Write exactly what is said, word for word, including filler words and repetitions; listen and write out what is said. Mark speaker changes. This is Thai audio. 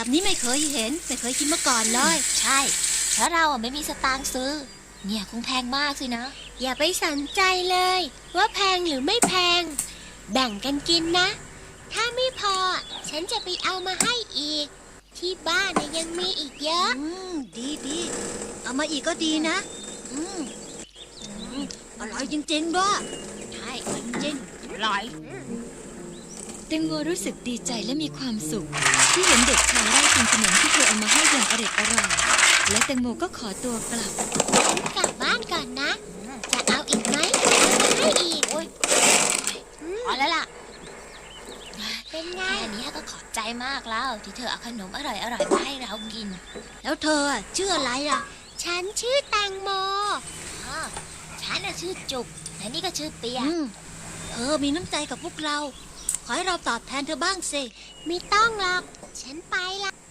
Speaker 1: แบบนี้ไม่เคยเห็นไม่เคยกินมาก่อนเลย
Speaker 2: ใช่เพราะเราอ่ะไม่มีสตางค์ซื้อเนี่ยคงแพงมากสินะ
Speaker 3: อย่าไปสนใจเลยว่าแพงหรือไม่แพงแบ่งกันกินนะถ้าไม่พอฉันจะไปเอามาให้อีกที่บ้านน่ะยังมีอีกเยอะ
Speaker 1: อืมดีดีเอามาอีกก็ดีนะอืมอืมอร่อยจริงๆด้วย
Speaker 2: ใช่จริงอร่อย
Speaker 4: แตงโมรู้สึกดีใจและมีความสุขที่เห็นเด็กชายได้กินขนมที่เธอเอามาให้อย่างอร็ดอร่อยและแตงโมก็ขอตัวกลับ
Speaker 3: กลับบ้านก่อนนะจะเอาอีกไหมเอามาให้อีก
Speaker 2: โอ้ยพอแล้วล่ะ
Speaker 3: เป็นไง
Speaker 2: แค่นี้ก็ขอบใจมากแล้วที่เธอเอาขนมอร่อยอร่อยมาให้เรากิน
Speaker 1: แล้วเธอชื่ออะไรล่ะ
Speaker 3: ฉันชื่อแตงโม
Speaker 2: อ๋อฉันน่ะชื่อจุกและนี่ก็ชื่อเปีย
Speaker 1: เธอมีน้ำใจกับพวกเราขอให้เราตอบแทนเธอบ้างสิ
Speaker 3: ไม่ต้องหรอกฉันไปละ